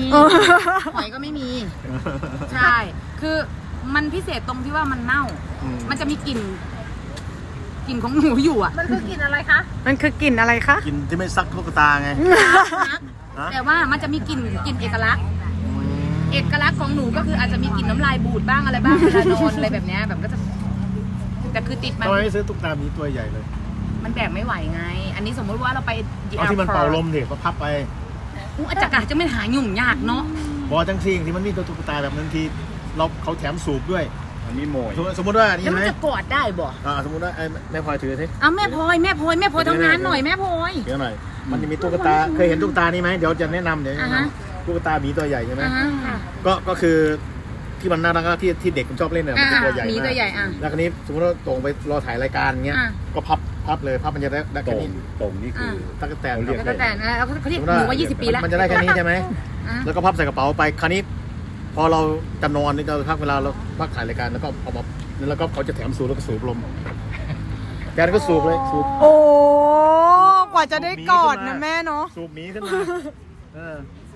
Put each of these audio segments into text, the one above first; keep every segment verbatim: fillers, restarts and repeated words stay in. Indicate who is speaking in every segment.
Speaker 1: หอยก็ไม่มีใช่คือมันพิเศษตรงที่ว่ามันเน่ามันจะมีกลิ่นกลิ่นของหนูอยู่อ่ะมันคือกลิ่นอะไรคะ
Speaker 2: มันคือกลิ่นอะไรคะ
Speaker 3: กลิ่นที่ไม่ซักตุ๊กตาไง
Speaker 1: แต่ว่ามันจะมีกลิ่นกลิ่นเอกลักษณ์เอกลักษณ์ของหนูก็คืออาจจะมีกลิ่นน้ำลายบูดบ้างอะไรบ้างเวลานอนอะไรแบบนี้แบบก็จะแต่คือติดมัน
Speaker 3: ทำไมไม่ซื้อตุ๊กตามีตัวใหญ่เลย
Speaker 1: มันแบกไม่ไหวไงอันนี้สมมติว่าเราไป
Speaker 3: เอาที่มันเป่าลมเด็กมาพับไป
Speaker 1: อู้อาจารย์จะไม่หายุ่งยากเนาะ
Speaker 3: บอจังซีที่มันมีตัวตุ๊กตาแบบนั้นทีเราเขาแถมสูบด้วย
Speaker 4: อันนี้โมย
Speaker 3: สมมติว่านี่
Speaker 1: ไหมจะกอดได้บ่
Speaker 3: อ่าสมมติว่าแม่พลอยถือสิ
Speaker 1: อ้าวแม่พลอยแม่พลอยแม่พลอยทำงานหน่อยแม่พลอย
Speaker 3: เดี๋ยวหน่อยมันจะมีตุ๊กตาเคยเห็นตุ๊กตานี่ไหมเดี๋ยวจะแนะนำเดี๋ยวตุ๊กตาหมีตัวใหญ่ใช่ไหมก็ก็คือที่มันน่ารักที่ที่เด็กมันชอบเล่นเนี่ยมันตัวใหญ่มากแล้วคราวนี้สมมติว่าตรงไปรอถ่ายรายการเงี้ยก็พับพับเลยพับมันจะได้ได้แค่นี้
Speaker 4: ตรงนี่คือ
Speaker 3: ตั๊กแตน
Speaker 1: ตั๊กแตนนะเขาเรียกหนูว่ายี่สิบปีแล้ว
Speaker 3: มันจะได้แค่นี้ใช่ไหมแล้วก็พับใส่กระเป๋าไปคราวนี้พอเราจะนอนนี่เราพักเวลาเราพักถ่ายรายการแล้วก็เอามาแล้วก็เขาจะแถมสูบแล้วก็สูบลมแกนก็สูบเลยสูบ
Speaker 2: โอ้กว่าจะได้กอดนะแม่เนาะ
Speaker 3: สูบหมีขึ้นมาเออ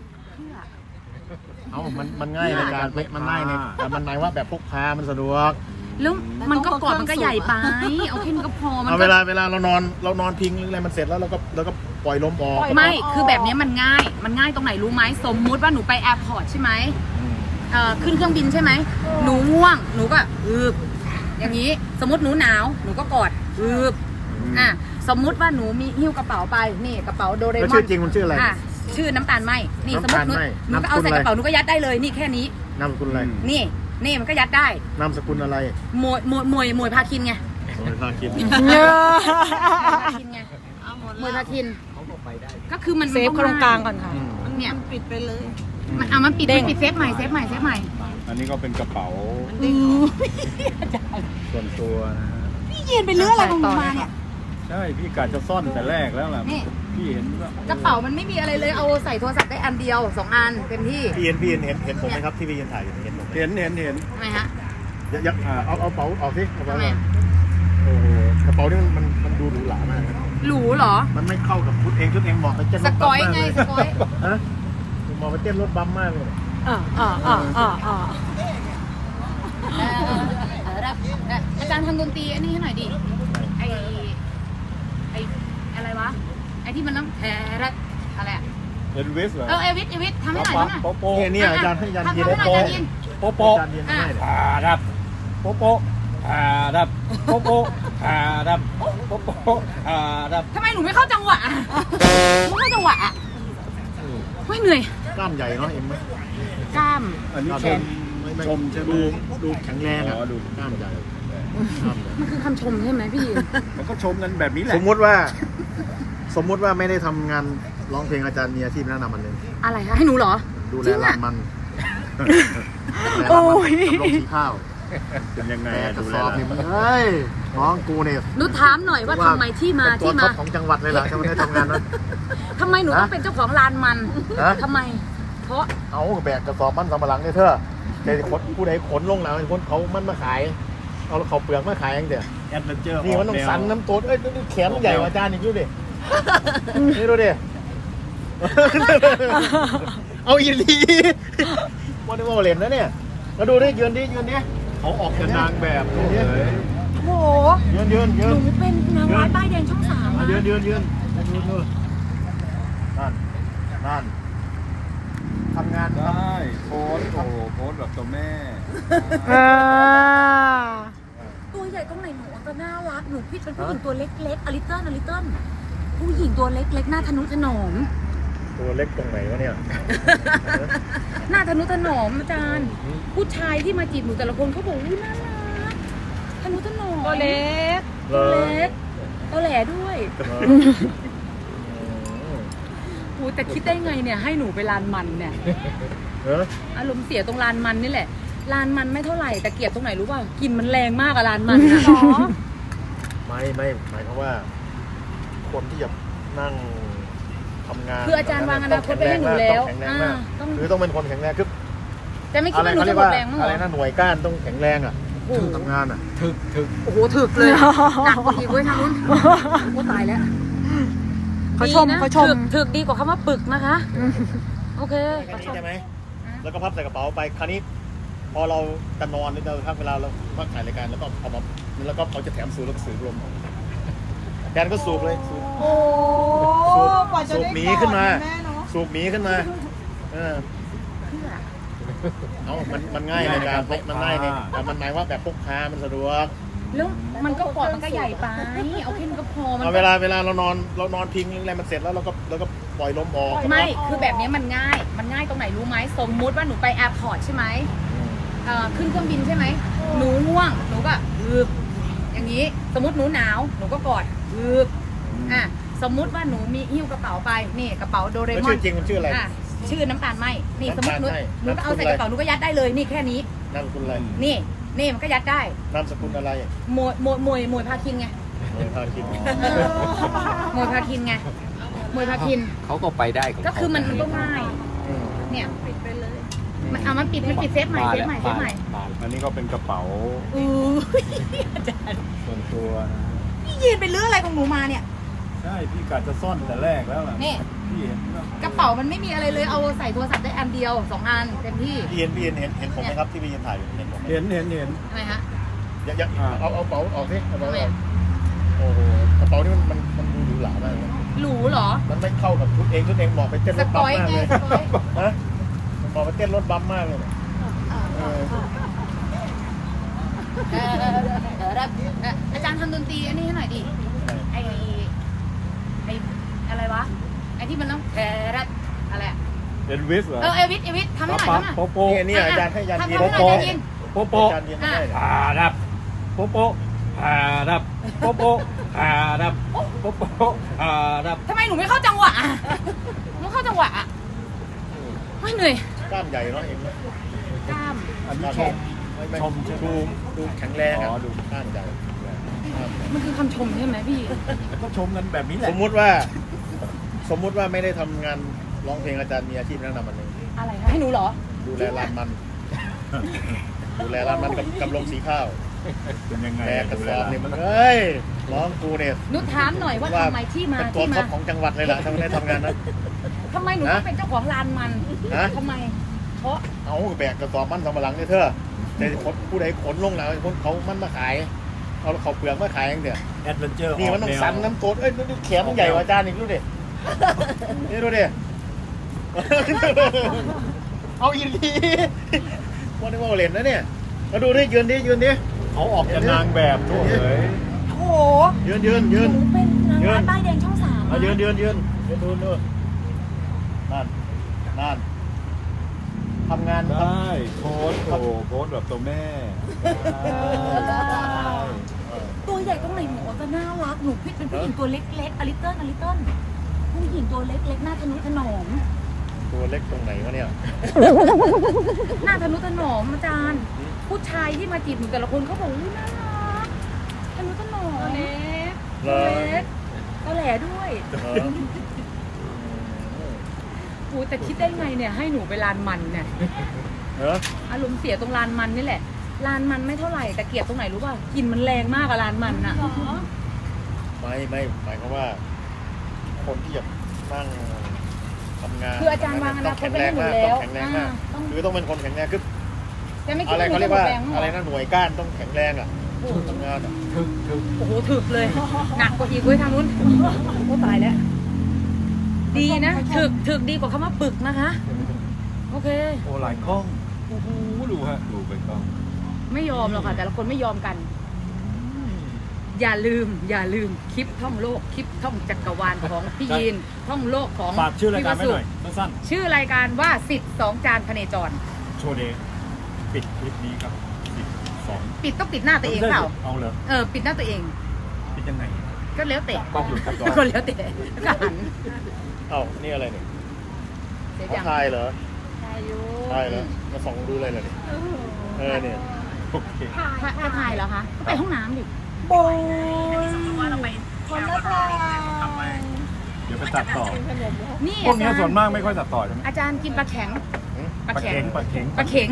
Speaker 3: เอามันมันง่ายในการมันง่ายในแต่มันหมายว่าแบบพกพามันสะดวก
Speaker 1: แล้วมันก็กอดมันก็ใหญ่ไปเอาแค่นี้ก็พอมัน
Speaker 3: เวลาเวลาเรานอนเรานอนพิงหรืออะไรมันเสร็จแล้วเราก็เราก็ปล่อยลมออก
Speaker 1: ไม่คือแบบนี้มันง่ายมันง่ายตรงไหนรู้ไหมสมมุติว่าหนูไปแอร์พอร์ตใช่ไหมเอ่อขึ้นเครื่องบินใช่ไหมหนูง่วงหนูก็อืบอย่างนี้สมมติหนูหนาวหนูก็กอดอืบอ่ะสมมุติว่าหนูมีหิ้วกระเป๋าไปนี่กระเป๋าโดเรมอน
Speaker 3: ชื่อจริงมันชื่ออะไร
Speaker 1: ชื่อน้ำตาลไหมนี่สมมติหนูหนูก็เอาใส่กระเป๋าหนูก็ยัดได้เลยนี่แค่นี้
Speaker 3: นามสกุลอะไร
Speaker 1: นี่นี่มันก็ยัดได้
Speaker 3: นามสกุลอะไร
Speaker 1: มวยมวยมวยมวยพาคินไง
Speaker 3: มวยพาคิน
Speaker 1: ไงมวยพาคินก็คือมัน
Speaker 2: เซฟตรงกลางก่อนค่ะ
Speaker 1: เนี่ยปิดไปเลยมันเอามันปิดปิดเซฟใหม่เซฟใหม่เซฟใหม่
Speaker 4: อันนี้ก็เป็นกระเป๋าส่วนตัวนะ
Speaker 1: พี่ยืนไปเรื่อยอะไรของมาเนี่ย
Speaker 4: ใช่พี่กะจะซ่อนแต่แรกแล้วแหละพี่เห็น
Speaker 1: กระเป๋ามันไม่มีอะไรเลยเอาใส่โทรศัพท์ได้อันเดียวสองอันเต็มที่
Speaker 3: พี่เห็นพี่เห็นเห็นเห็นผมไหมครับที่พี่ยืนถ่ายเห็นผม
Speaker 4: เห็นเห็นเห็น
Speaker 1: ทำไมฮะ
Speaker 3: ยักเอาเอาเป๋าออกสิกระเป๋าโอ้โหกระเป๋านี่มันมันดูหรูหรามาก
Speaker 1: หรูเหรอ
Speaker 3: มันไม่เข้ากับชุดเองชุดเองบอกไปเต้นรถ
Speaker 1: บัมมากเลยสกอย
Speaker 3: ฮะมองไปเต้นรถบัมมากเลย
Speaker 2: อ่าอ่าอ่าอ่าอ่า
Speaker 1: อาจารย์ทำดนตรีอันนี้ให้หน่อยดิไอไออะไรวะไอที่มันน้ำแพรอะไรอะ
Speaker 4: เอลวิสเหรอ
Speaker 1: เออเอลวิสเอลวิสทำให้หน่อยทำหน่อย
Speaker 3: โป๊ะโป๊ะเนี่ยอาจารย์ให้อาจารย์
Speaker 1: ยินโป๊ะ
Speaker 4: โป๊ะโป๊ะอ่าดับโป๊ะโป๊ะอ่าดับโป๊ะโป๊ะอ่าดับโป๊ะโป๊ะอ่าดับ
Speaker 1: ทำไมหนูไม่เข้าจังหวะไม่เข้าจังหวะอ่ะไม่เหนื่อย
Speaker 3: กล้ามใหญ่เนาะเอ็มไหม
Speaker 1: กล้าม
Speaker 4: อันนี้ชมชมใช่ไหม
Speaker 3: ดูดูแข็งแรงอ่ะดูกล้ามใหญ่
Speaker 1: มันคือคำชมใช่ไหมพี่
Speaker 4: มันก็ชมกันแบบนี้แหละ
Speaker 3: สมมติว่าสมมติว่าไม่ได้ทำงานร้องเพลงอาจารย์มีอาชีพแนะนำมันเลย
Speaker 1: อะไรคะให้หนูเหรอ
Speaker 3: ดูแลร้านมัน
Speaker 2: โอ้ย
Speaker 3: ลงสีข้าว
Speaker 4: เป็นยังไง
Speaker 3: ดูแลนี่มันเฮ้ยน้องกูเนี่ย
Speaker 1: หนูถามหน่อยว่าทำไมที่มาที่มา
Speaker 3: ของจังหวัดเลยล่ะจะไม่ได้ทำงานนั้น
Speaker 1: ทำไมหนูต้องเป็นเจ้าของร้านมันทำไมเพราะ
Speaker 3: เอาแบกกระสอบมันสำปะหลังเนี่ยเธอแต่ขนผู้ใดขนลงแล้วคนเขามันมาขายเอาเขาเปลือกมาขายอย่างเดียว
Speaker 4: แอดเวนเจอร์
Speaker 3: นี่มันต้องสันน้ำโต๊ดเอ้ยแขนใหญ่กว่าอาจารย์อีกดูดินี่ดูดิเอาอีดีวันนี้ว่าเล่นนะเนี่ยแล้วดูดิยืนดิยืนดิ
Speaker 4: เขาออกเป็นนางแบบเลย
Speaker 1: โอ้โห
Speaker 3: ยืนยืนยืน
Speaker 1: หนูเป็นนางร้ายป้ายแดงช่องสาม
Speaker 3: ยืนยืนยืนยืนยืนนั่นนั่นทำงาน
Speaker 4: ได้โพสโอ้โพสแบบตัวแม่
Speaker 1: ตัวใหญ่ตรงไหนหนูก็น่ารักหนูพี่เป็นผู้หญิงตัวเล็กๆอลิเติ้ลอลิเติ้ลผู้หญิงตัวเล็กๆหน้าทนุถนอม
Speaker 3: ตัวเล็กตรงไหนวะเนี่ย
Speaker 1: หน้าทนุถนอมอาจารย์ผู้ชายที่มาจีบหนูแต่ละคนเขาบอกว่าน่ารักทนุถนอม
Speaker 2: ตัวเล็ก
Speaker 1: ตัวเล็กตัวแหล่ด้วยโอ้แต่คิดได้ไงเนี่ยให้หนูไปลานมันเนี่ยอารมณ์เสียตรงลานมันนี่แหละลานมันไม่เท่าไหร่แต่เกลียดตรงไหนรู้ป่ะกลิ่นมันแรงมากอะลานมันนะ
Speaker 3: ไม่ไม่หมายความว่าคนที่จะนั่งทำงาน
Speaker 1: คืออาจารย์วางอนาคตไปให้หนูแล้ว
Speaker 3: คือต้องเป็นคนแข็งแรงคือ
Speaker 1: แต่ไม่คิดว่าหนูจะหมดแรงมั้ง
Speaker 3: อะไรนะหน่วยก้านต้องแข็งแรงอ่ะทำงานอ่ะ
Speaker 4: ถึกถึก
Speaker 1: โอ้โหถึกเลยหนักอีกเว้ยทางนู้นโอ้ตายแล้ว
Speaker 2: เขาชมเขาชม
Speaker 1: ถึกดีกว่าคำว่าปึกนะคะโอเค
Speaker 3: แค่นี้ใช่ไหมแล้วก็พับใส่กระเป๋าไปคราวนี้ พอเราจะนอนหรือเราพักเวลาเราพักถ่ายรายการแล้วก็เอามาแล้วก็เขาจะแถมสูบแล้วก็สูบลมแดนก็สูบเลยสูบ
Speaker 2: โอ้
Speaker 3: สูบ
Speaker 2: กว่าจะ
Speaker 3: สูบ
Speaker 2: ได้
Speaker 3: หมี
Speaker 2: กอด
Speaker 3: ขึ้นมา
Speaker 2: ะแม่เนาะ
Speaker 3: สูบหมีขึ้นมาเออ
Speaker 1: เพื่อ
Speaker 3: เอ้ามันมันง่ายในการพกมันง่ายเนี่ยแต่มันหมายว่าแบบพกพามันสะดวก
Speaker 1: แล้วมันก็กอดมันก็ใหญ่ไปเอาแค่นี้ก็พอมัน
Speaker 3: เอาเวลาเวลาเรานอนเรานอนพิงอะไรมันเสร็จแล้วเราก็เราก็ปล่อยลมออก
Speaker 1: ไม่คือแบบนี้มันง่าย มันง่ายตรงไหนรู้ไหมสมมุติว่าหนูไปแอร์พอร์ตใช่ไหมเอ่อขึ้นเครื่องบินใช่ไหมหนูง่วงหนูก็อืบอย่างนี้สมมติหนูหนาวหนูก็กอดอืบอ่ะสมมุติว่าหนูมีหิ้วกระเป๋าไปนี่กระเป๋าโดเร
Speaker 3: แล้ว
Speaker 1: มอ
Speaker 3: ชื่อน จริงมันชื่ออะไร
Speaker 1: อ่ะชื่อน้ำตาลไหมนี่สมมติหนู
Speaker 3: น้ำตาลไหม้
Speaker 1: หนูก็เอาใส่
Speaker 3: นามสกุลอะไร
Speaker 1: กระเป๋าหนูก็ยัดได้เลยนี่แค่นี้
Speaker 3: นามสกุลอะไร
Speaker 1: นี่นี่มันก็ยัดได้
Speaker 3: นามสกุลอะไร
Speaker 1: มวยมวยมวยมวยพาคินไง
Speaker 3: โอ้ยพาคิด
Speaker 1: มวยพาคินไงมวยพาคิน
Speaker 5: เขาก็ไปได้ของ
Speaker 1: ก็คือมันมันก็ง่าย
Speaker 3: อืม
Speaker 1: เนี่ยปิดไปเลยมันเอามันปิดมันปิดเซฟใหม่เซฟใหม่เซฟใหม่
Speaker 4: อันนี้ก็เป็นกระเป๋า
Speaker 1: อู้อาจารย์
Speaker 4: ส่วนตัวนะ
Speaker 1: พี่ยืนไปเรื่องอะไรของหนูมาเนี่ย
Speaker 4: ใช่พี่กะจะซ่อนแต่แรกแล้วล่ะ
Speaker 1: นี่
Speaker 4: พี่เห็นว่าก
Speaker 1: ระเป๋ามันไม่มีอะไรเลยเอาใส่โทรศัพท์ได้อันเดียวสองอันเต็มที่
Speaker 3: พี่เห็นพี่เห็นเห็นเห็นผมไหมครับที่พี่ยืนถ่ายอยู่เห็นผมไหม
Speaker 4: เห็นเห็นเห็น
Speaker 1: ทำไมฮะ
Speaker 3: อย่าอย่า
Speaker 4: อ่า
Speaker 3: เอาเอากระเป๋าออกสิกระเป๋า
Speaker 1: ทำไม
Speaker 3: ออกโอ้โหกระเป๋านี่มันมันมันดูหรูหรามากเลย
Speaker 1: หรูเหรอ
Speaker 3: มันไม่เข้ากับชุดเองชุดเองเหมาะไปเต้น
Speaker 1: ส
Speaker 3: รถ
Speaker 1: ก
Speaker 3: บัม
Speaker 1: อย
Speaker 3: มาก
Speaker 1: ไง
Speaker 3: เลย
Speaker 1: สกอย
Speaker 3: ฮะมันเหมาะไปเต้นรถบัมมากเลยเออ
Speaker 1: เออเออเออเออเอออาจารย์ทำดนตรีอันนี้ให้หน่อยดิไอไออะไรวะไอที่มันต้องเอออะไรอะ
Speaker 4: เอ็นวิสเหรอ
Speaker 1: เออเอวิทเอวิททำให้หน่อย
Speaker 4: ปั๊บ
Speaker 1: ทำหน่อย
Speaker 4: โปโป
Speaker 3: นี่นี่อาจารย์ให้อาจารย์
Speaker 1: ทำ
Speaker 3: ยืน
Speaker 1: ให้หน่อยอาจารย์ยิน
Speaker 4: โปโป
Speaker 3: อาจารย์ยืนไม่ได้เลย
Speaker 4: อ่าดับโปโปอ่าดับโปโปอ่าดับโปโปอ่าดับ
Speaker 1: ทำไมหนูไม่เข้าจังหวะอะหนูไม่เข้าจังหวะอะไม่เหนื่อย
Speaker 3: กล้ามใหญ่เนาะเองนะ
Speaker 1: กล้าม
Speaker 4: อันนี้ชม
Speaker 3: ไม่ไม่
Speaker 4: ชมใช่ไหม
Speaker 3: ดูดูแข็งแรงอ่ะ
Speaker 4: อ๋อดู
Speaker 3: กล้ามใหญ่
Speaker 1: มันคือคำชมใช่ไหมพี่
Speaker 4: ก็ชมกันแบบนี้แหละ
Speaker 3: สมมุติว่า สมมุติว่าไม่ได้ทำงานร้องเพลงอาจารย์มีอาชีพแนะนำอันหนึ่ง
Speaker 1: อะไรคะให้หนูเหรอ
Speaker 3: ดูแลร้านมัน ดูแลร้านมันกับกับลงสีข้าว
Speaker 4: เป็นยังไง
Speaker 3: แบกกระสอบเนี่ยมันเอ้ยร้องกูเนี่ย
Speaker 1: หนูถามหน่อยว่าทำไมที่มา
Speaker 3: เป็นตัว
Speaker 1: ที่
Speaker 3: ท็อ
Speaker 1: มา
Speaker 3: ปของจังหวัดเลยล่ะถ้าไม่ได้ทำงานนะ
Speaker 1: ทำไมหนูต้องเป็นเจ้าของร้านมัน
Speaker 3: ฮะ
Speaker 1: ทำไม เพราะ
Speaker 3: เอาแบกกระสอบมันสำปะหลังเนี่ยเธอแต่คนผู้ใดขนลงแล้วคนเขามันมาขายเอาเขาเปลือกมาขายอย่างเดียว
Speaker 4: แอดเวนเจอร์
Speaker 3: นี่มันต้องสันน้ำโตดเอ้ยนี่แขนมันใหญ่กว่าอาจารย์อีกดูดินี่ดูดิ เอาอีกทีวันนี้ว่าเล่นนะเนี่ยมาดูดิยืนดิยืนดิ
Speaker 4: เขาออกจากนางแบบทั่วเลย
Speaker 1: โอ้โห
Speaker 3: ยืนยืนยืน
Speaker 1: หนูเป็นนางร้ายป้ายแดงช่องสาม
Speaker 3: มายืนยืนยืนยืนดูดูนั่นนั่นทำงาน
Speaker 4: ได้โค้ดโอ้โค้ดแบบตัวแม่ได้
Speaker 1: ตัวใหญ่ตรงไหนหนูจะน่ารักหนูพิดเป็นผู้หญิงตัวเล็กๆอลิตเติ้ลอลิตเติ้ลผู้หญิงตัวเล็กๆหน้าทะนุถนอม
Speaker 3: ตัวเล็กตรงไหนวะเนี่ย
Speaker 1: หน้าทะนุถนอมอาจารย์ ผู้ชายที่มาจีบหนูแต่ละคนเขาบอกว่าน่ารักทะนุถนอมเล็ก
Speaker 3: เหรอ
Speaker 1: เล็กก็แหล่ด้วย
Speaker 3: เหรอ
Speaker 1: อูแต่คิดได้ไงเนี่ยให้หนูไปลานมันเนี่ย
Speaker 3: เหรอ
Speaker 1: อารมณ์เสียตรงลานมันนี่แหละลานมันไม่เท่าไหร่แต่เกลียดตรงไหนรู้ป่ะกลิ่นมันแรงมากอะลานมันอะ
Speaker 3: ไม่ไม่หมายความว่า คนที่จะนั่งทำงาน
Speaker 1: คืออาจารย์วางอ
Speaker 3: ต้
Speaker 1: นา
Speaker 3: อง
Speaker 1: คต
Speaker 3: แข็ง
Speaker 1: ไป
Speaker 3: แร
Speaker 1: ให้
Speaker 3: ง
Speaker 1: หนู
Speaker 3: มาก
Speaker 1: แล้
Speaker 3: ต้อ
Speaker 1: ว
Speaker 3: งแข็งแรงมาก
Speaker 1: ต้อง
Speaker 3: คือต้องเป็นคนแข็งแรงคือ
Speaker 1: แต่ไม่คิด
Speaker 3: อะไร
Speaker 1: ว่าหนู
Speaker 3: เขาเรีย
Speaker 1: จะ
Speaker 3: ก
Speaker 1: หมด
Speaker 3: ว่า
Speaker 1: แรงหร
Speaker 3: อะไร
Speaker 1: อ
Speaker 3: นะหน่วยก้านต้องแข็งแรงอ่ะทำงานอ่ะ
Speaker 4: ถึกถึก
Speaker 1: โอ้โหถึกเลย หนักกว่าอีกเว้ยทางนู้นโอ้ตายแล้ว ดีนะถึกถึกดีกว่าคำว่าปึกนะคะ โอเค
Speaker 4: โอ้หลายกล้องโอ้โหดูฮะดูไปกล้อง
Speaker 1: ไม่ยอมหรอกค่ะ แต่ละคนไม่ยอมกัน อย่าลืม อย่าลืมคลิปท่องโลกคลิปท่องจักรวาลของพี่ยีนท่องโลกของ
Speaker 4: ฝากชื่อรายการไว้
Speaker 1: พี่ว
Speaker 4: หน่
Speaker 1: สุ
Speaker 4: อยสั้น
Speaker 1: ชื่อรายการว่าสิทธิ์สองจานพเนจร
Speaker 4: ๆโชว์เดย์ปิดคลิปนี้ครับสิบสอง
Speaker 1: ปิดต้องปิดหน้าตัวเองเปล่า
Speaker 4: เอาเลย
Speaker 1: เออปิดหน้าตัวเอง
Speaker 4: ปิดยังไง
Speaker 1: ก็แล้วแต่
Speaker 4: กล้องอยู่ครับ
Speaker 1: ก็แล้วแต่ก็หัน
Speaker 3: เอ้านี่อะไรเนี่ย
Speaker 1: เสีย
Speaker 3: เขา
Speaker 1: อย่าง
Speaker 3: ทายเหรอ
Speaker 1: ถ่ายอยู่
Speaker 3: ทายเหรอมาส่องดูเลยเหรอเนี่ยเออเนี่ย
Speaker 4: โอเค
Speaker 1: ถ่ายก็ถ่ายเหรอคะก็ไปห้องน้ำดิ
Speaker 2: โบยคนละทาง
Speaker 4: เดี๋ยวไปตัดต่อ
Speaker 1: นี่
Speaker 4: พวก
Speaker 1: อา
Speaker 4: นี้
Speaker 1: จารย์
Speaker 4: ส่วนมากไม่ค่อยตัดต่อใช่ไหม
Speaker 1: อาจารย์กินปลาแข็ง
Speaker 4: ปลาเข็งปลาเข็ง
Speaker 1: ปลาเข็ง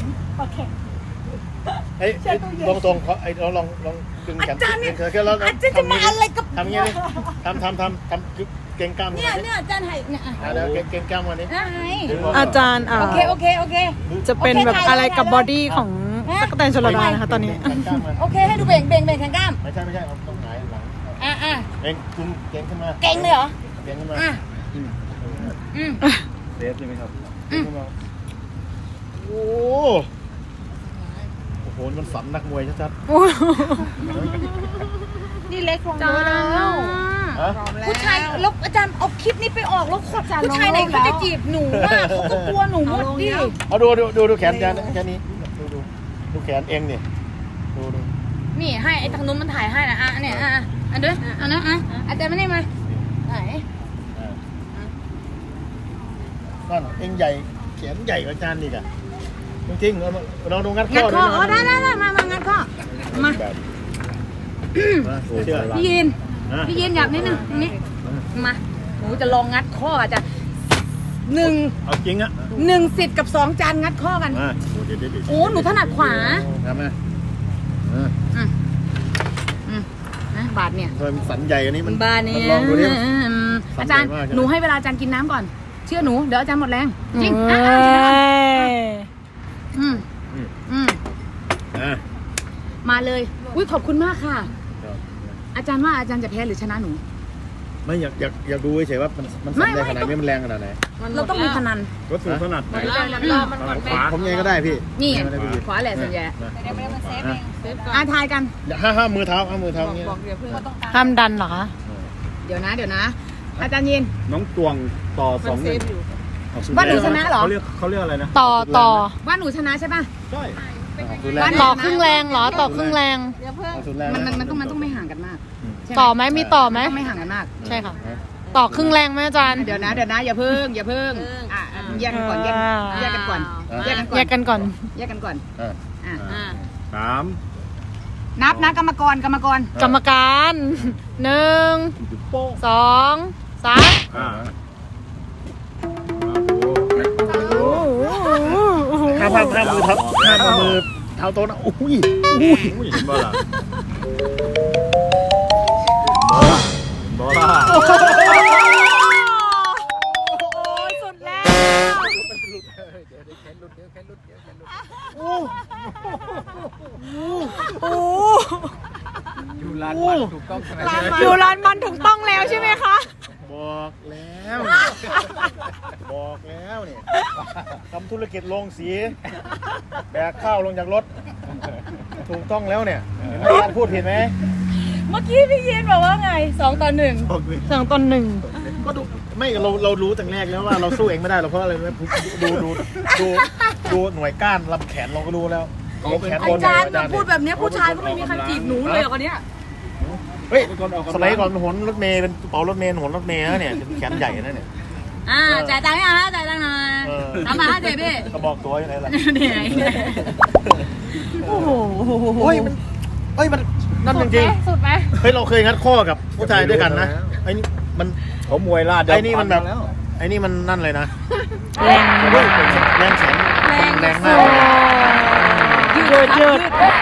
Speaker 3: เฮ้ยตรงตรงเขาไอ้เราลองลองดึงแขน
Speaker 1: อาจารย์เนี่ย
Speaker 3: ดึงเธอแค่แล้ว
Speaker 1: อาจารย์จะมาอะไรกับ
Speaker 3: ทำอย่างนี้ดิทำทำทำทำคือเก่งกล้าม
Speaker 1: เนี่ยเนี่ยอาจารย์ให้เนี่ย
Speaker 3: อ่ะแล้วเก่งเก่งกล้ามวันนี้
Speaker 1: ไง
Speaker 2: อาจารย์อ่า
Speaker 1: โอเคโอเคโอเค
Speaker 2: จะเป็นแบบอะไรกับบอดี้ของตั๊กแตนชลดานะคะตอนนี้
Speaker 3: เก่งกล้ามมัน
Speaker 1: โอเคให้ดูเบ่งเบ่งเบ่งแขนกล้าม
Speaker 3: ไม่ใช่ไม่ใช่เอาต้องหงายหลัง
Speaker 1: อ่ะอ่ะ
Speaker 3: เก่งคุณเก่งขึ้นมา
Speaker 1: เก่งเลยเหรอ
Speaker 3: เก่งขึ้นมา
Speaker 1: อ่ะอืม
Speaker 4: เซฟใช่ไหมครับ
Speaker 3: เก่งขึ้นมาโอ้โอ้โหมันฝันนักมวยชัด
Speaker 1: นี่เล็กลงเยอะแล้ว
Speaker 3: ๆฮะ
Speaker 1: ผู้ชายแล้วอาจารย์เอาคลิปนี้ไปออกแล้วผู้ชายไหนเขาจะจีบหนูอ่ะเขาก็กลัวหนูหมดดิ
Speaker 3: เอาดูดูดูดูแขนอาจารย์แค่นี้ดูดูดูแขนเองนี่ดูดู
Speaker 1: นี่ให้ไอ้ทางนู้นมันถ่ายให้นะอ่ะเนี่ยอ่ะอันเด้ออันนั้นอ่ะอาจารย์ไม่ได้มาไหน
Speaker 3: อ่านั่นเองใหญ่แขนใหญ่กว่าอาจารย์อีกอะจริงๆเราลองดูงัดข้
Speaker 1: งั
Speaker 3: อ
Speaker 1: ดคอ
Speaker 3: นะ
Speaker 1: อ๋อได้ได้ได้มามางัดคอมา
Speaker 3: แบบมาโอ้เชื่อ
Speaker 1: พี่ยิน
Speaker 3: นะ
Speaker 1: พี่ยินอยากนิดนึงตรงนี้มาหนูจะลองงัดข้ออาจารย์หนึ่ง
Speaker 3: เอาจริงอะ
Speaker 1: หนึ่งสิทธิ์กับสองจานงัดข้อกัน
Speaker 3: มาโอ้เดี๋ยวเดี๋ยวเดี๋ยว
Speaker 1: โอ้หนูถนัดขวา
Speaker 3: ทำไหมอ่า
Speaker 1: อืมอืมนะบาทเนี่ย
Speaker 3: ทำไมมันสันใหญ่อันนี้มัน
Speaker 1: บาทเนี่ย
Speaker 3: มันลองดูดิ
Speaker 1: อืมอาจารย์
Speaker 3: สันใหญ่มาก
Speaker 1: หนูให้เวลาอาจารย์กินน้ำก่อน เชื่อหนูเดี๋ยวอาจารย์หมดแรงจริง
Speaker 2: เอ้
Speaker 1: อ่ะอ่ะ
Speaker 2: ย
Speaker 1: อืม
Speaker 3: อืม
Speaker 1: อืม
Speaker 3: อ่า
Speaker 1: มาเลยอุ้ยขอบคุณมากค่ะ อาจารย์ว่าอาจารย์จะแพ้หรือชนะหนู
Speaker 3: ไม่อยากอยากอยากดูเฉยๆว่ามันมัน
Speaker 1: ไม่
Speaker 3: สันใหญ่
Speaker 1: ไม่
Speaker 3: ขนาดนี้มันแรงขนาดไหน
Speaker 1: เราต้องมีพนัน
Speaker 4: รถสูงขนาดไหน
Speaker 3: ขวาผมยังไงก็ได้พี่
Speaker 1: นี่
Speaker 3: ไม่ได้พี่
Speaker 1: ขวาแหละส่วนใหญ่
Speaker 3: มา
Speaker 1: อ่ะทายกัน
Speaker 3: อย่าห้าห้ามือเท้าห้ามือเท้าอย่างเงี้ย
Speaker 2: ห้ามดันเหรอคะ
Speaker 1: เดี๋ยวนะ เดี๋ยวนะ อาจารย์ยิน
Speaker 4: น้องตวงต่อสองหนึ่ง
Speaker 1: ว่าหนูชนะเหรอ
Speaker 4: เขาเรียกเขาเรียกอะไรนะ
Speaker 2: ต่อต่อ
Speaker 1: ว่าหนูชนะใช่ป่ะ
Speaker 4: ใช่
Speaker 3: สุดแรง
Speaker 1: บ้าน
Speaker 2: ต่อครึ่งแรงเหรอ ต่อครึ่งแรง
Speaker 3: เอาสุดแรง
Speaker 1: มันมันมันต้องมันต้องไม่ห่างกันมากใช่ไหม
Speaker 2: ต่อไหมมีต่อไหม
Speaker 1: ต้องไม่ห่างกันมาก
Speaker 2: ใช่ค่ะ ต่อครึ่งแรงไหมอาจารย์
Speaker 1: เดี๋ยวนะ เดี๋ยวนะ อย่าเพิ่ง อย่าเพิ่ง อ่ะอ่ะแยกกันก่อน แยก
Speaker 2: อ่า
Speaker 1: แยกกันก่อน แยกกันก่
Speaker 2: แย
Speaker 1: อน
Speaker 2: กกันก่อน
Speaker 1: แยกกันก่อน
Speaker 3: อ่า
Speaker 1: อ่ะ
Speaker 4: สาม
Speaker 1: นับนะกรรมกร กรรมกร
Speaker 2: กรรมการหนึ่ง
Speaker 4: โป๊ะ
Speaker 2: สองสาม
Speaker 4: อ่า
Speaker 3: ห้าห้าห้ามือเท้าห้ามือเท้าโต๊ะนะอุ้ย
Speaker 4: อุ้ยเห็นบ่ล่ะบ่ล่ะ
Speaker 2: สุดแล้ว
Speaker 3: โอ้
Speaker 2: โอ้
Speaker 4: อยู่ร้านมันถูกต้องใช่ไหม
Speaker 2: อยู่ร้านมันถูกต้องแล้วใช่ไหมคะ
Speaker 3: บอกแล้วบอกแล้วเนี่ยทำธุรกิจโรงสีแบกข้าวลงจากรถถูกต้องแล้วเนี่ยเห็นไหมอาจารย์พูดผิดไหม
Speaker 1: เมื่อกี้พี่ยินบอกว่าไงสองต่อหนึ่ง
Speaker 2: สองตนหนึ่ง
Speaker 3: ก็ดูไม่เราเรารู้ตั้งแรกแล้วว่าเราสู้เองไม่ได้หรอกเพราะอะไรไหมดูดูดูดูหน่วยก้านลำแขนเราก็รู้แล้วลำแขนบน
Speaker 1: อาจารย์
Speaker 3: เนี่ย
Speaker 1: พูดแบบเนี้ยผู้ชายก็ไม่มีใครจีบหนูเลยเหรอคนเนี้ย
Speaker 3: เฮ้ยสมัยก่อนหนรถเมย์เป็นกระเป๋ารถเมย์หนรถเมย์นะเนี่ยแขนใหญ่นะเนี่ย
Speaker 1: อ่าจ่ายตังค์ยังฮะจ่ายตังค์หน่อย
Speaker 3: เออ
Speaker 1: ทำมาฮะเจ๊พี่
Speaker 3: กระบอกตัวอยู่ไหนล่ะ
Speaker 1: เหนื่อย
Speaker 2: โอ้โห
Speaker 3: เฮ้ยมันเฮ้ยมันนั่นจริง
Speaker 1: สุดไหม
Speaker 3: ๆเฮ้ยเราเคยงัดข้อกับผู้ชายด้วยกันนะไอ้นี่มัน
Speaker 4: เขามวยลาด
Speaker 3: ไอ้นี่มันแบบ
Speaker 4: แล้ว
Speaker 3: ไอ้นี่มันนั่นเลยนะ
Speaker 2: แรง
Speaker 3: เฮ้ยแรงแขนแรงมาก
Speaker 2: ยืดยืด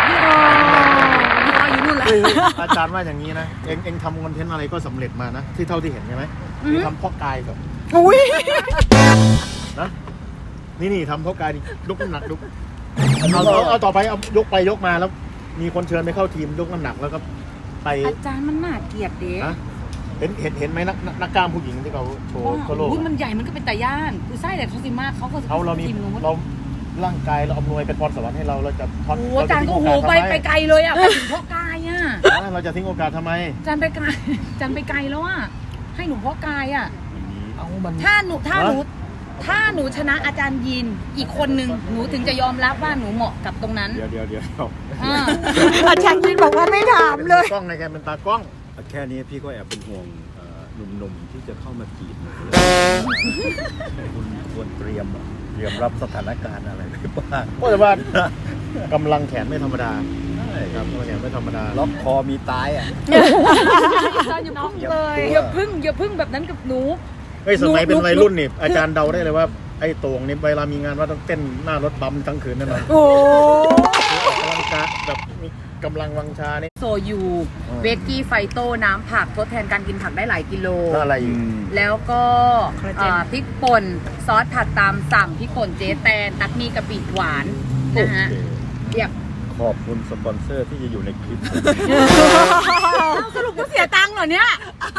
Speaker 1: รออยู่นู่นแหละ
Speaker 3: เฮ้ยอาจารย์ว่าอย่างนี้นะเองเองทำคอนเทนต์อะไรก็สำเร็จมานะที่เท่าที่เห็นใช่ไหมทำเพาะกายกับ
Speaker 2: อุ้ย
Speaker 3: นะนี่นี่ทำเพาะกายนี่ยกน้ำหนักยกเอาเอาเอาต่อไปเอายกไปยกมาแล้ว มีคนเชิญไปเข้าทีมยกน้ำหนักแล้วก็ไป
Speaker 1: อาจารย์มันน่าเกลียดเด็ก
Speaker 3: นะเห็นเห็นเห็นไหมนักนักนักกล้ามผู้หญิงที่เขาโชว์ทั่วโลก
Speaker 1: มันใหญ่มันก็เป็นตาย่านคือไส้แต่เขาสิมากเขาก็
Speaker 3: เขาเรามี
Speaker 1: ทีมนู้น
Speaker 3: เราร่างกายเราอำนวยเป็นพรสวรรค์ให้เราเราจะพร
Speaker 1: โอ้
Speaker 3: เรา
Speaker 1: อาจารย์ก็โอ้โห
Speaker 3: ทิ้ง
Speaker 1: ไป
Speaker 3: โอกาสทำ
Speaker 1: ไปไกลเลยอ่ะไปถึงพ่อกายอ่ะ
Speaker 3: เราจะทิ้งโอกาสทำไม
Speaker 1: อาจารย์ไปไกลอาจารย์ไปไกลแล้วอ่ะให้หนูพ่อกายอ่ะ
Speaker 3: เอามัน
Speaker 1: ถ้าหนูถ้าหนูถ้าหนูชนะอาจารย์ยินอีกคนนึงหนูถึงจะยอมรับว่าหนูเหมาะกับตรงนั้น
Speaker 4: เดี๋ยวเดี๋ยวเดี๋ยว
Speaker 1: อ่า
Speaker 2: อาจารย์ยินบอกว่าไม่ถามเลย
Speaker 3: กล้องในแกเป็นตากล้อง
Speaker 4: แค่นี้พี่ก็แอบเป็นห่วงเอ่อหนุ่มๆที่จะเข้ามาจีบหนูคุณควรเตรียมอะเตรียมรับสถานการณ์อะไรไว้บ้าง
Speaker 3: ก็แต่ว่ากำลังแขนไม่ธรรมดาครับกำลังแขนไม่ธรรมดา
Speaker 4: ล็อกคอมีตายอ่ะ
Speaker 1: อาจารย์อย่าพึ่งเลยอย่าพึ่งอย่าพึ่งแบบนั้นกับหนู
Speaker 3: เฮ้ยสมัย
Speaker 1: หนู
Speaker 3: เป็นวัยรุ่นนี่
Speaker 1: หนู
Speaker 3: อาจารย์เดาได้เลยว่าไอ้โต่งนี่เวลามีงานว่าต้องเต้นหน้ารถบัมทั้งคืนแน่นอน
Speaker 2: โอ้
Speaker 3: ออกกำลังกายแบบมีกำลังวังชานี่
Speaker 1: โซยูเวกกี้ไฟโต้น้ำผักทดแทนการกินผักได้หลายกิโล
Speaker 3: แล้วอะไรอีก
Speaker 1: แล้วก็เอ่อพริกป่นซอสผัดตามสั่งพริกป่นเจ๊แตนตักมีกะปิหวานนะฮะเรียบ
Speaker 4: ขอบคุณสปอนเซอร์ที่จะอยู่ในคลิป
Speaker 1: สรุปกูเสียตังค์เหรอเนี่ย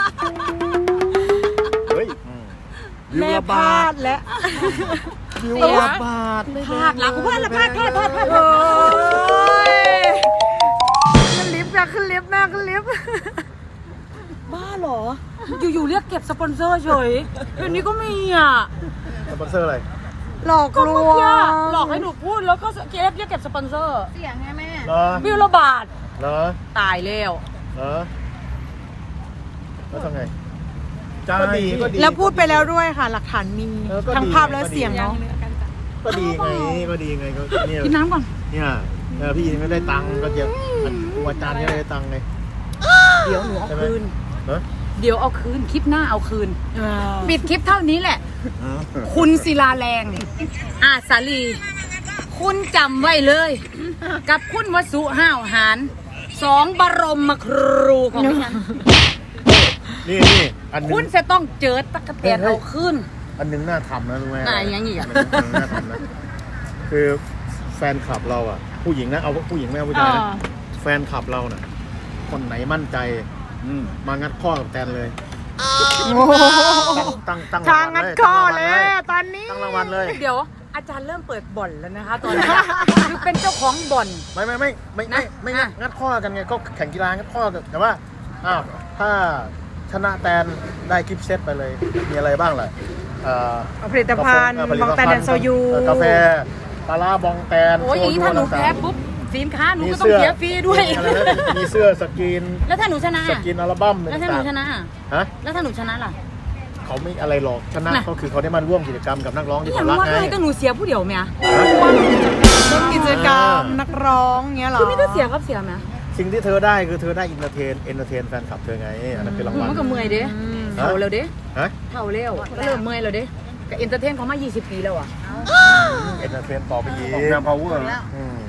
Speaker 3: เฮ้ย
Speaker 2: แม่พลาดและ
Speaker 1: เสียบาทพลาดละกูพลาดละพลาดพลาดพลาดพลาด
Speaker 2: โอ้ยขึ้นลิฟต์นะขึ้นลิฟต์แม่ขึ้นลิฟต์บ้าเหรอ
Speaker 1: อยู่ๆเรียกเก็บสปอนเซอร์เฉยเดี๋ยวนี้ก็มีอ่ะ
Speaker 3: สปอนเซอร์อะไร
Speaker 2: หลอก
Speaker 1: ก็
Speaker 2: ล
Speaker 1: เมื่อ
Speaker 2: ว
Speaker 1: กี้
Speaker 2: ง
Speaker 1: หลอกให้หนูพูดแล้วก็เก็บเรียกเก็บสปอนเซอร์
Speaker 5: เสียงไงแม่
Speaker 3: เหรอ
Speaker 1: บิลละบาท
Speaker 3: เหรอ
Speaker 1: ตายแล้ว
Speaker 3: เหรอแล้วทำไงก็ดีก็ดี
Speaker 2: แล้วพูดไปแล้วด้วยค่ะ หลักฐานมี
Speaker 3: เออก็ดี
Speaker 2: ทั้งภาพและเสียงเนาะ
Speaker 3: ก็ดีไงก็ดีไงก็เนี่ย
Speaker 1: กินน้ำก่อน
Speaker 3: เนี่ยเออพี่ไม่ได้ตังค์ก็เจ็บครูอาจารย์ก็ได้ตังค์ไง
Speaker 1: เดี๋ยวหนูเอา
Speaker 3: ใช่ไหม
Speaker 1: คืน
Speaker 3: เออ
Speaker 1: เดี๋ยวเอาคืนคลิปหน้าเอาคืนปิดคลิปเท่านี้แหละ คุณศิลาแรงอาสาลี คุณจำไว้เลย กับคุณวสุห้าวหารสองบรมครูของฉัน
Speaker 3: นี่นี่อันหนึ
Speaker 1: คุณ
Speaker 3: ง
Speaker 1: จะต้องเจอตะกะแตนเอาคืน
Speaker 3: อันหนึงน่าทำนะรู้ไหม
Speaker 1: ไหนยังอีกอ่ะ
Speaker 3: นหนึ่งน่าทำนะคือแฟนคลับเราอ่ะ ผู้หญิงนะเอาผู้หญิงไม่เอาผู้ชายนะแฟนคลับเราน่ะ คนไหนมั่นใจ
Speaker 4: อืม
Speaker 3: มางัดข้อกับแตนเลย
Speaker 2: โอ้โห
Speaker 3: ตั้งตั้ง
Speaker 2: ทางงัดข้อเลยตอนนี้
Speaker 3: ตั้งรางวัลเลย
Speaker 1: เดี๋ยวอาจารย์เริ่มเปิดบ่อนแล้วนะคะ ตอนนี้คือเป็นเจ้าของบ่อน
Speaker 3: ไม่ไม่ไม่ไม่ไม่
Speaker 1: นะ
Speaker 3: ไม่งัด
Speaker 1: อ่ะ
Speaker 3: งัดข้อกันไงก็แข่งกีฬางัดข้อกันแต่ว่าอ้าวถ้าชนะแตนได้กิฟต์เซตไปเลย มีอะไรบ้างล่ะเอ่อ
Speaker 2: ผลิตภัณฑ์
Speaker 3: เอ่อผลิ
Speaker 2: บางแตนแดนโซยู
Speaker 3: เอ่อกาแฟปลาร้าบองแตน
Speaker 1: โอ้ยอย่างนี้ถ้าหนูแพ้
Speaker 3: ต่งๆ
Speaker 1: ปุ๊บสินค้าหนู
Speaker 3: มี
Speaker 1: ก็ต้อง
Speaker 3: เสื้อ
Speaker 1: เสียฟรีด้วย
Speaker 3: มีอะไรนะมีเสื้อสกรีน
Speaker 1: แล้วถ้าหนูชนะ
Speaker 3: ส
Speaker 1: อ่ะ
Speaker 3: กรีนอัลบั้ม
Speaker 1: แล้วถ้าหนู
Speaker 3: ต่าง
Speaker 1: ชนะอ่ะ
Speaker 3: ๆฮะ
Speaker 1: แล้วถ้าหนูชนะล่ะ
Speaker 3: เขาไม่อะไรหรอกชนะ
Speaker 1: น่ะ
Speaker 3: ก็คือเขาได้มาร่วมกิจกรรมกับนักร้องที่
Speaker 1: อ
Speaker 3: เขา
Speaker 1: ย่าง
Speaker 3: รัก
Speaker 1: ว่า
Speaker 3: ไง
Speaker 1: ไงก็หนูเสียผู้เดียวไหมอ่ะ
Speaker 2: ร่วมกิจกรรมนักร้องเงี้ยเหรอ
Speaker 1: คือไม่ได้เสียครับเสียไหม
Speaker 3: สิ่งที่เธอได้คือเธอได้อินเตอร์เทนเอนเตอร์เทนแฟนคลับเธอไงอันนั้นคือรางวัล
Speaker 1: มันก็เมื่อยเด้เท่าแล้วเด้
Speaker 3: ฮะ
Speaker 1: เท่าแล้วก็เริ่มเมื่อยแล้วเด้กับเอนเตอร์เทนเขามายี่สิบปีแล้วอ่ะ
Speaker 3: เอนเตอร์เทนต่อไปอีก
Speaker 4: ออกแนว power
Speaker 3: อืม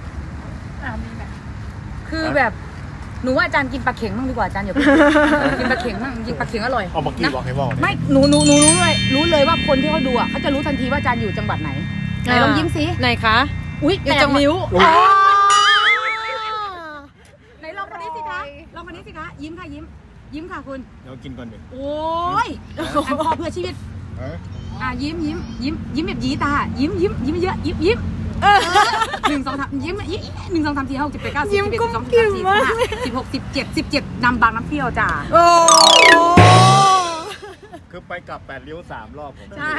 Speaker 1: คือแบบหนูว่าอาจารย์กินปลาเข็งบ้างดีกว่าอาจารย์อย่าไปกินปลาเข็งบ้างกินปลาเข็งอร่อย
Speaker 3: เอาเมื่อกี้
Speaker 1: นะ
Speaker 3: บอกให้บอกเนี่ย
Speaker 1: ไม่หนูหนูหนูรู้เลยรู้เลยว่าคนที่เขาดูอ่ะเขาจะรู้ทันทีว่าอาจารย์อยู่จังหวัดไหนไหนลองยิ้มสิ
Speaker 2: ไหนคะ
Speaker 1: อุ้ย
Speaker 2: อยู่
Speaker 1: แป
Speaker 2: จั
Speaker 1: ด
Speaker 2: งหวัด
Speaker 1: นิ้ว
Speaker 3: โอ้ย
Speaker 1: ไหนลองคนนี้สิคะลองคนนี้สิคะยิ้มค่ะยิ้ม ยิ้มค่ะคุณ
Speaker 3: เดี๋ยวกินก่อนดิ
Speaker 1: โอ้ยอันพอเพื่อชีวิต
Speaker 3: เอ้ย
Speaker 1: อ่ะยิ้มยิ้มยิ้มยิ้มแบบยีตายิ้มยิ้มยิ้มเยอะยิ้มยิ้มหนึ่งสองสามยิ้มยิ้มหนึ่งสองสามสี่ห้าหกเจ็ดแปดเก้าสิบ
Speaker 2: ยิ้ม
Speaker 1: สิบเอ็ด
Speaker 2: กุ้
Speaker 1: สิ
Speaker 2: ม
Speaker 1: บสองสิบ
Speaker 2: กิ่
Speaker 1: สาม
Speaker 2: ม
Speaker 1: สิบ
Speaker 2: มาก
Speaker 1: ห้าสิบหกสิบเจ็ดสิบเจ็ดนำบางน้ำเปรี้ยวจ้า
Speaker 2: โอ้
Speaker 3: คือไปกลับแปดเลี้ยวสามรอบผม
Speaker 1: ใช่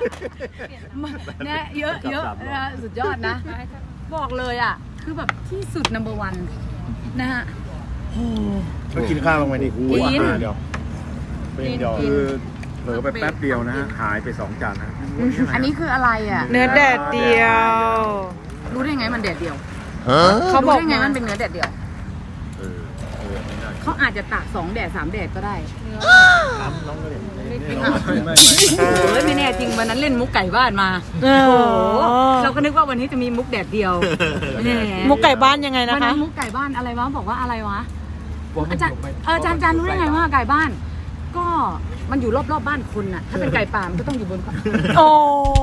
Speaker 1: เนี่ยเยอะเยอะนะสุดยอดนะ บอกเลยอ่ะ คือแบบที่สุด นัมเบอร์วัน นะฮะ
Speaker 3: ก็กินข้าวลงไปดิ
Speaker 1: กิน
Speaker 3: อาหารเดียวเป็นเดียว
Speaker 4: คือเผลอไปแป๊บเดียวนะฮะหายไปสองจานนะ
Speaker 1: อันนี้คืออะไรอ่ะ
Speaker 2: เนื้อแดดเดียว
Speaker 1: รู้ได้ไงมันแดดเดียว
Speaker 2: เขาบอก
Speaker 1: รู้ได้ไง
Speaker 2: มา
Speaker 1: มันเป็นเนื้อแดดเดียว
Speaker 4: เออเออไม่น่า
Speaker 1: เขาอาจจะตากสองแดดสามแดดก็ได้
Speaker 3: ถามน้องก็เลย
Speaker 4: ไม่ไม่
Speaker 1: เฮ้ยไม่แน่จริงวันนั้นเล่นมุกไก่บ้านมา
Speaker 2: เออ
Speaker 1: โอ้โหเราก็นึกว่าวันนี้จะมีมุกแดดเดียวแห
Speaker 2: มุกไก่บ้านยังไงนะ
Speaker 1: วันนั้
Speaker 2: คะ
Speaker 1: นมุกไก่บ้านอะไรวะบอกว่าอะไรวะอาจารย์เอออาจารย์อาจารย์รู้ได้ไงว่าไก่บ้าน ก็มันอยู่รอบๆบ้านคนน่ะ ถ้าเป็นไก่ป่ามันก็ต้องอยู่บน
Speaker 2: โอ้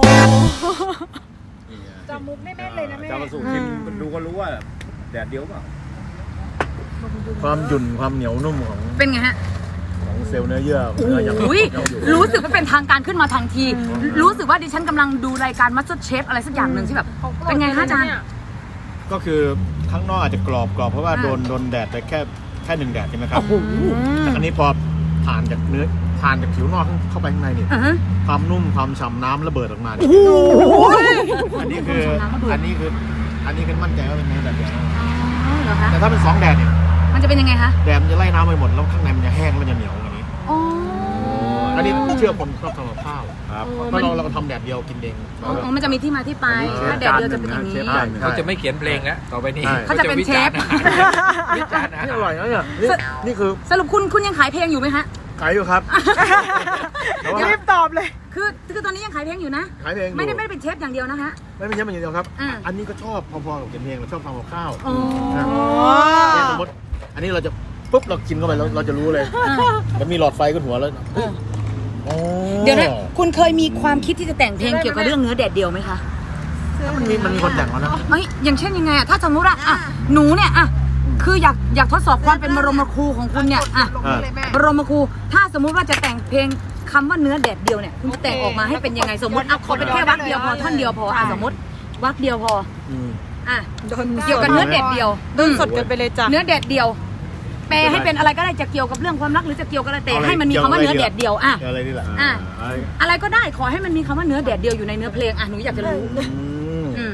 Speaker 5: จำมุกไม่แม่นเลยนะแม่
Speaker 4: จำมาสู่ชิมดูก็รู้ว่าแดดเดียวเปล่า
Speaker 3: ความหยุ่นความเหนียวนุ่มของ
Speaker 1: เป็นไงฮะ
Speaker 3: ของเซลล์เนื้อเยื่อเนื้ออย่าง
Speaker 1: อุ้ย
Speaker 3: เราอยู่
Speaker 1: รู้สึกว่าเป็นทางการขึ้นมาทันที รู้สึกว่าดิฉันกำลังดูรายการมัสเตอร์เชฟอะไรสักอย่างหนึ่งที่แบบ เป็นไงคะอาจารย์
Speaker 3: ก็คือข้างนอกอาจจะกรอบกรอบเพราะว่า
Speaker 1: อ่า
Speaker 3: โดนโดนแดดไปแค่แค่หนึ่งแดดใช่ไหมครับ
Speaker 1: โอ้โห
Speaker 3: แต่อันนี้พอผ่านจากเนื้อผ่านจากผิวนอกเข้าไปข้างในนี่
Speaker 1: อ่าฮะ
Speaker 3: ความนุ่มความฉ่ำน้ำระเบิดออกมาเนี่ยอันนี้คือ
Speaker 1: ความฉ่ำน้ำระเบิด
Speaker 3: อันนี้คืออันนี้คือมั่นใจว่าเป็นเนื้อแดดเดียวนะ
Speaker 1: อ๋อเหรอคะ
Speaker 3: แต่ถ้าเป็นสองแดดเนี่ย
Speaker 1: มันจะเป็นยังไงคะ
Speaker 3: แดดมันจะไล่น้ำไปหมดแล้วข้างในมันจะแห้งแล้วมันจะเหนียวอย่างนี้
Speaker 1: อ๋อ
Speaker 3: อันนี้เชื่อคนชอบทำกับข้าว
Speaker 4: ครับ
Speaker 3: เพราะเราเราทำแดดเดียวกินเอง
Speaker 1: อ๋อมันจะมีที่มาที่ไป ถ้าแดดเดียวจะเป็นอย่างนี้
Speaker 4: เชฟจานหนึ่ง
Speaker 6: เขาจะไม่เขียนเพลงแล้วต่อไปนี้
Speaker 3: ใช่
Speaker 1: เขาจะเป็นเชฟ
Speaker 6: วิจารณ์อาหาร
Speaker 3: นี่อร่อยนะเนี่ยนี่นี่คือ
Speaker 1: สรุปคุณคุณยังขายเพลงอยู่ไหมฮะ
Speaker 3: ขายอยู่ครับ
Speaker 2: รีบตอบเลย
Speaker 1: คือคือคือตอนนี้ยังขายเพลงอยู่นะ
Speaker 3: ขายเพลงอยู่
Speaker 1: ไม่ได้ไม่ได้เป็นเชฟอย่างเดียวนะคะ
Speaker 3: ไม่ไม่ใช่มันอย่างเดียวครับ
Speaker 1: อ่า
Speaker 3: อันนี้ก็ชอบพอๆกับเขียนเพลงเราชอบทำกับข้าว
Speaker 1: โอ้
Speaker 3: นะเนี่ยสมมติอันนี้เราจะปุ๊บเรากินเข้าไปเราเราจะรู้เลยมันมีหลอดไฟขึ้นหัวแล้วเฮ้ยอ๋อ
Speaker 1: เดี๋ยวนะคุณเคยมีความคิดที่จะแต่งเพลงเกี่ยวกับเรื่องเนื้อแดดเดียวไหมคะ
Speaker 3: มันมีมันมีคนแต่งแล้วนะ
Speaker 1: เอ้ยอย่างเช่นยังไงอะถ้าสมมติว่าอ่ะหนูเนี่ยอ่ะคืออยากอยากทดสอบความเป็นบรมครูของคุณเนี่ยอ่ะ
Speaker 3: อ่า
Speaker 1: บรมครูถ้าสมมุติว่าจะแต่งเพลงคำว่าเนื้อแดดเดียวเนี่ยคุณจะแต่งออกมาให้เป็นยังไงสมมติเอาขอเป็นแค่วรรคเดียวพอท่อนเดียวพออ่ะสมมติวรรคเดียวพอ
Speaker 3: อืม
Speaker 1: อ่ะเกี่ยวกับเนื้อแดดเดียว
Speaker 2: โดนสดกันไปเลยจ้ะ
Speaker 1: เนื้อแดดเดียว แปลให้เป็นอะไรก็ได้จะเกี่ยวกับเรื่องความรักหรือจะเกี่ยวกับอะไรแต่ให้มันมีคำว่าเนื้อแดดเดียวอ่ะ
Speaker 3: เกี่ยวอะไรนี่แหละ
Speaker 1: อ่ะ
Speaker 3: อ่า
Speaker 1: อะไรก็ได้ขอให้มันมีคำว่าเนื้อแดดเดียวอยู่ในเนื้อเพลงอ่ะหนูอยากจะรู้
Speaker 3: อืม
Speaker 1: อืม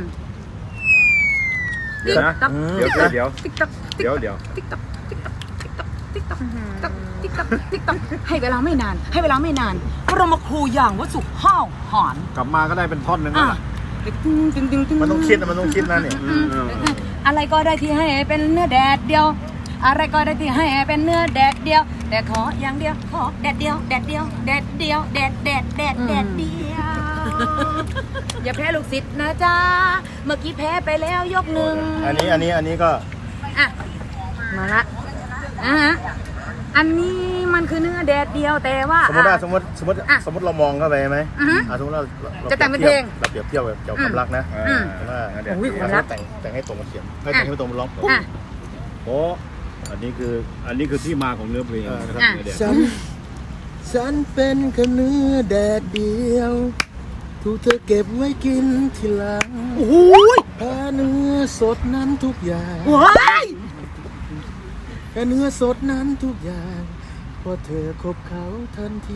Speaker 4: เดี๋ยวนะ
Speaker 1: ติ๊ก
Speaker 4: เดี๋ยวเดี๋ยวเดี๋ยว
Speaker 1: ติ๊กต๊อก
Speaker 4: เดี๋ยวเดี๋ยว
Speaker 1: ติ๊กต๊อกติ๊กต๊อกติ๊กต๊อกติ๊กต๊อกติ๊กต๊อกติ๊กต๊อกติ๊กต๊อกให้เวลาไม่นาน ให้เวลาไม่นานบรมครูอย่างวัสุห้าวหอน
Speaker 3: กลับมาก็ได้เป็นท่อนหนึงแล้ว
Speaker 1: อ่ะ
Speaker 3: ล่ะมันต้องคิดนะมันต้องคิดนะเนี่ย
Speaker 1: อืมอะไรก็ได้ที่ให้เป็นเนื้อแดดเดียว อะไรก็ได้ที่ให้เป็นเนื้อแดดเดียว แต่ขออย่างเดียวขอแดดเดียวแดดเดียวแดดเดียวแดดแดดแดดแดดเดียว อย่าแพ้ลูกศิษย์นะจ๊ะเมื่อกี้แพ้ไปแล้วยกหนึ่ง
Speaker 3: อันนี้อันนี้อันนี้ก็
Speaker 1: อ่ะมาละอ่ะฮะอันนี้มันคือเนื้อแดดเดียวแต่ว่า
Speaker 3: สมมติว่าสมมติสมมติ
Speaker 1: อ่ะ
Speaker 3: สมมติเรามองเข้าไปไหม
Speaker 1: อือฮึ
Speaker 3: อ่ะสมมติเรารา
Speaker 1: จะแต่งเป็นเพลง
Speaker 3: เราเปรียบเทียบแบบเกี่ยวกับความรักนะ
Speaker 1: อืม
Speaker 3: ว่า
Speaker 4: เดี๋ยว
Speaker 1: โอ้ย
Speaker 3: เรา
Speaker 1: ความรัก
Speaker 3: แต่งแต่งให้ตรงกับเสียงให้แต่งให้ตรงกับร้อง
Speaker 1: อ่ะ
Speaker 4: โอ้อันนี้คืออันนี้คือที่มาของเนื้อเพลง
Speaker 3: เออ
Speaker 4: นะครับ
Speaker 1: อ่ะ
Speaker 4: เนื้อแดด
Speaker 3: ฉันฉันเป็นแค่เนื้อแดดเดียวถูกเธอเก็บไว้กินทีหลัง
Speaker 1: โอ้ย
Speaker 3: แพ้เนื้อสดนั้นทุกอย่าง
Speaker 1: ว้าย
Speaker 3: แพ้เนื้อสดนั้นทุกอย่างเพราะเธอคบเขาทันที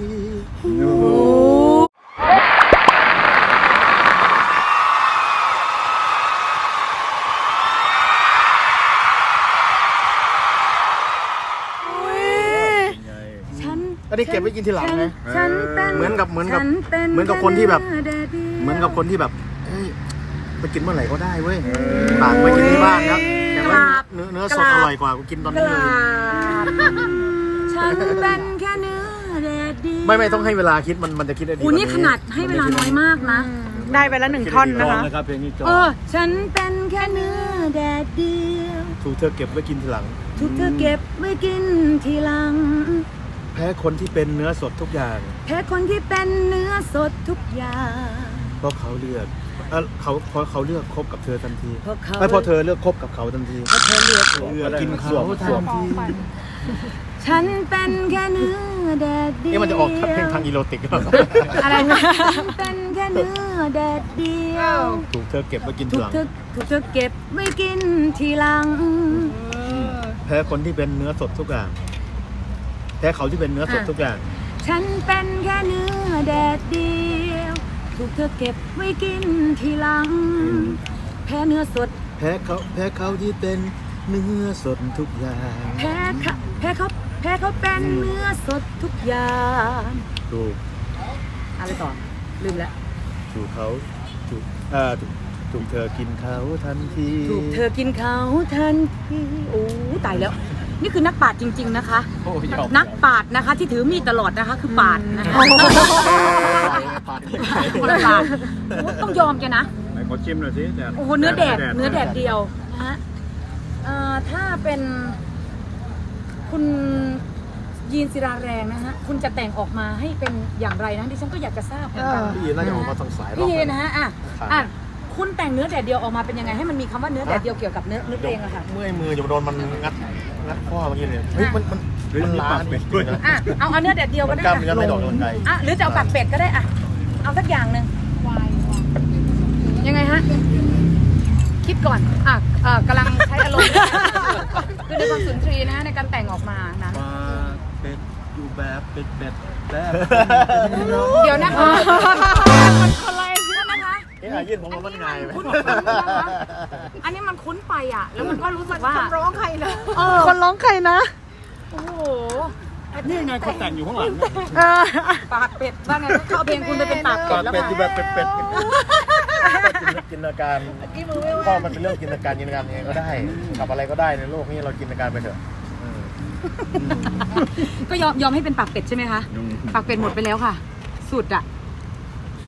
Speaker 1: ฉัน
Speaker 3: ก็ได้เก็บไว้กินทีหลังไง
Speaker 1: ฉันเป็น
Speaker 3: เหมือนกับเหมือนกับ
Speaker 1: ฉัป็
Speaker 3: เหมือนกับคนที่แบบ
Speaker 1: แดดดียว
Speaker 3: เหมือนกับคนที่แบบเอ้ยไปกินเมื่อไหร่ก็ได้เว้ยตากไปกินที่บ้านนะแต่ว่าเนื้อเนื้อสดอร่อยกว่ากูกินตอนนี้เลย
Speaker 1: ฉันเป็นแค่เนื้อแดดเดียว
Speaker 3: ไม่ไม่ต้องให้เวลาคิดมันมันจะคิดได้ดี
Speaker 1: โอ้นี่ขนาดให้เวลาน้อยมากนะ
Speaker 2: ได้ไปแล้วหนึ่งท่อน
Speaker 4: จ
Speaker 2: นะ
Speaker 4: อง
Speaker 2: คะ
Speaker 4: นะครับเพลงนี้จอง
Speaker 1: เออ ฉันเป็นแค่เนื้อแดดเดียว
Speaker 3: ถูกเธอเก็บไว้กินทีหลัง
Speaker 1: ถูกเธอเก็บไว้กินทีหลัง
Speaker 3: แพ้คนที่เป็นเนื้อสดทุกอย่าง
Speaker 1: แพ้คนที่เป็นเนื้อสดทุกอย่าง
Speaker 3: เพราะเขาเลือกเออเขาเพราะเขาเลือกคบกับเธอทันที
Speaker 1: เพราะเขา
Speaker 3: ไม่เพราะเธอเลือกคบกับเขาทันที
Speaker 1: เพราะเธอเลือก
Speaker 3: เลือกกินเขาทันที
Speaker 1: ฉันเป็นแค่เนื้อแดดเดียว
Speaker 3: นี่มันจะออกเพลงทางอีโรติกหรือเปล่า
Speaker 1: อะไรนะฉันเป็นแค่เนื้อแดดเดียว
Speaker 3: ถูกเธอเก็บไว้กินที
Speaker 1: ถู
Speaker 3: ห
Speaker 1: ก
Speaker 3: ลัง
Speaker 1: เธอถูกเธอเก็บไว้กินทีหลัง
Speaker 3: แพ้คนที่เป็นเนื้อสดทุกอย่างแพ้เขาที่เป็นเนื้อสดทุกอย่าง
Speaker 1: ฉันเป็นแค่เนื้อแดดเดียว ถูกเธอเก็บไว้กินทีหลัง แพ้เนื้อสด
Speaker 3: แพ้เขาแพ้เขาที่เป็นเนื้อสดทุกอย่าง
Speaker 1: แพ้เขาแพ้เขาแพ้เขาเป็นเนื้อสดทุกอย่าง
Speaker 3: ถูก
Speaker 1: อะไรต่อลืมแล้ว
Speaker 3: ถูกเขาถูกเอ่อถูกถูกเธอกินเขาทันที
Speaker 1: ถูกเธอกินเขาทันทีโอ้ตายแล้ว นี่คือนักปราชญ์จริง ๆนะคะ
Speaker 3: โอ้ยอม
Speaker 1: นักปราชญ์นะคะ ที่ถือมีดตลอดนะคะ คือปราชญ์นะคะ
Speaker 3: ปาด
Speaker 1: คนละปราชญ์โอ้ต้องยอมแกนะ
Speaker 4: ไหนขอชิมหน่อยสิแดด
Speaker 1: โอ้โหเนื้อแดดเนื้อแดดเดียวนะฮะเอ่อถ้าเป็นคุณยีนศิราแรงนะฮะคุณจะแต่งออกมาให้เป็นอย่างไรนะดิฉันก็อยากจะทราบเหมือนกัน
Speaker 3: พี่ยีนน่าจะออกมาทางสาย
Speaker 1: พี่ยีน
Speaker 3: นะ
Speaker 1: นะฮะอ่ะอ่ะคุณแต่งเนื้อแดดเดียวออกมาเป็นยังไงให้มันมีคำว่าเนื้อแดดเดียวเกี่ยวกับเนื้อเนื้อเพลงอะค่ะ
Speaker 3: เมื่อยมือจะโดนมันงัดงัดข้อเมื่อกี้เนี่ยเฮ้ยมันมันมันล้านิดนึงนะ
Speaker 1: อ่ะเอาเอาเนื้อแดดเดียวก็
Speaker 3: มัน
Speaker 1: ได้
Speaker 3: กล้ามเนื้อไม่ดอกกำลังกาย
Speaker 1: อ่ะหรือจะเอาปากเป็ดก็ได้อ่ะเอาสักอย่างหนึ่งยังไงฮะคิดก่อนอ่ะเอ่อกำลังใช้อารมณ์คือในความสุนทรีย์นะฮะในการแต่งออกมานะ
Speaker 4: มาเป็ดอยู่แบบเป็ดเป็ดแบบ
Speaker 1: เดี๋ยวนะคะ
Speaker 2: มันคนไร
Speaker 1: เดี๋ยวนะคะ
Speaker 3: เอ๊ะยื่นผมว่ามันง่ายไหม
Speaker 1: คุ้นๆนะคะอันนี้มันคุ้นไปอ่ะ แล้วมันก็รู้สึกว่า
Speaker 5: ร้องใครนะ
Speaker 1: เออ
Speaker 2: คนร้องใครนะ
Speaker 1: โอ้โห
Speaker 4: นี่ไงเขาแต่งอยู่ข้างหลังเนี่ย
Speaker 2: เออ
Speaker 1: ปากเป็ดว่าไงเขาเอาเพลงคุณไปเป็นปากเป็
Speaker 3: ปา
Speaker 1: ด
Speaker 3: ก
Speaker 1: แล้ว
Speaker 3: เป็ด
Speaker 1: ค่ะ
Speaker 3: อยู่แบบเป็ดๆจินตนาการพ่อมันเป็นเรื่องจินตนาการจินตนาการเองก็ได้ทำอะไรก็ได้ในโลกนี้เราจินตนาการไปเถอะ
Speaker 1: ก็ยอมยอมให้เป็นปากเป็ดใช่ไหมคะ ปากเป็ดหมดไปแล้วค่ะ สุดอ่ะ